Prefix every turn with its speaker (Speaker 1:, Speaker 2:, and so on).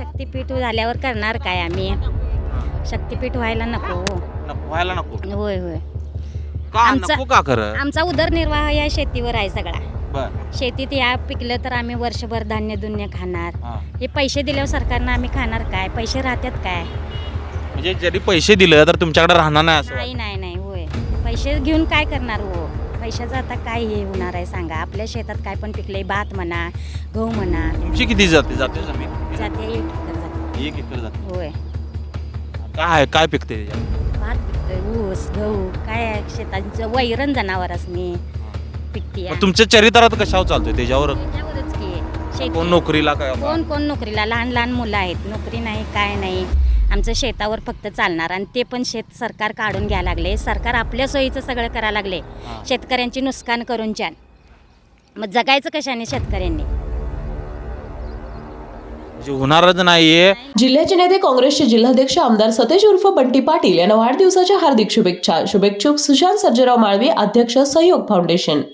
Speaker 1: शक्तीपीठ झाल्यावर करणार काय आम्ही? शक्तीपीठ व्हायला नको.
Speaker 2: व्हायला नको
Speaker 1: होय होय.
Speaker 2: का नको का खरं?
Speaker 1: आमचा उदरनिर्वाह या शेतीवर आहे सगळा.
Speaker 2: बर
Speaker 1: शेतीत या पिकलं तर आम्ही वर्षभर धान्य दुन्य खाणार.
Speaker 2: हा.
Speaker 1: हे पैसे दिल्यावर सरकारनं आम्ही खाणार काय? पैसे राहतात काय?
Speaker 2: म्हणजे जरी पैसे दिले तर तुमच्याकडे राहणार नाही असं
Speaker 1: नाही नाही नाही होय. पैसे घेऊन काय करणार हो? पैशाचं आता काय हे होणार आहे सांगा? आपल्या शेतात काय पण पिकले, भात म्हणा, गहू म्हणा,
Speaker 2: तुमची किती जाते जमीन?
Speaker 1: जाते 1 एकर जाते.
Speaker 2: 1 एकर जाते.
Speaker 1: होय.
Speaker 2: काय पिकते त्याच्यात?
Speaker 1: भात पिकतोय, ऊस, गहू, काय आहे शेतांचं वैरण जनावरांनी पिकते.
Speaker 2: मग तुमच्या चरित्रात कशावर चालतोय त्याच्यावर?
Speaker 1: त्याच्यावरच की शेती.
Speaker 2: कोण नोकरीला काय
Speaker 1: कोण नोकरीला? लहान लहान मुलं आहेत, नोकरी नाही काय नाही. आमचं शेतावर फक्त चालणार आणि ते पण शेत सरकार काढून घ्यायला लागले. सरकार आपल्या सोयीचं सगळं करायला लागले. शेतकऱ्यांची नुकसान करून छान. मग जगायचं कशाने शेतकऱ्यांनी?
Speaker 2: म्हणजे होणारच नाहीये.
Speaker 3: जिल्ह्याचे नेते काँग्रेसचे जिल्हाध्यक्ष आमदार सतेज उर्फ बंटी पाटील यांना वाढदिवसाच्या हार्दिक शुभेच्छा. शुभेच्छुक सुशांत सर्जेराव माळवी, अध्यक्ष सहयोग फाउंडेशन.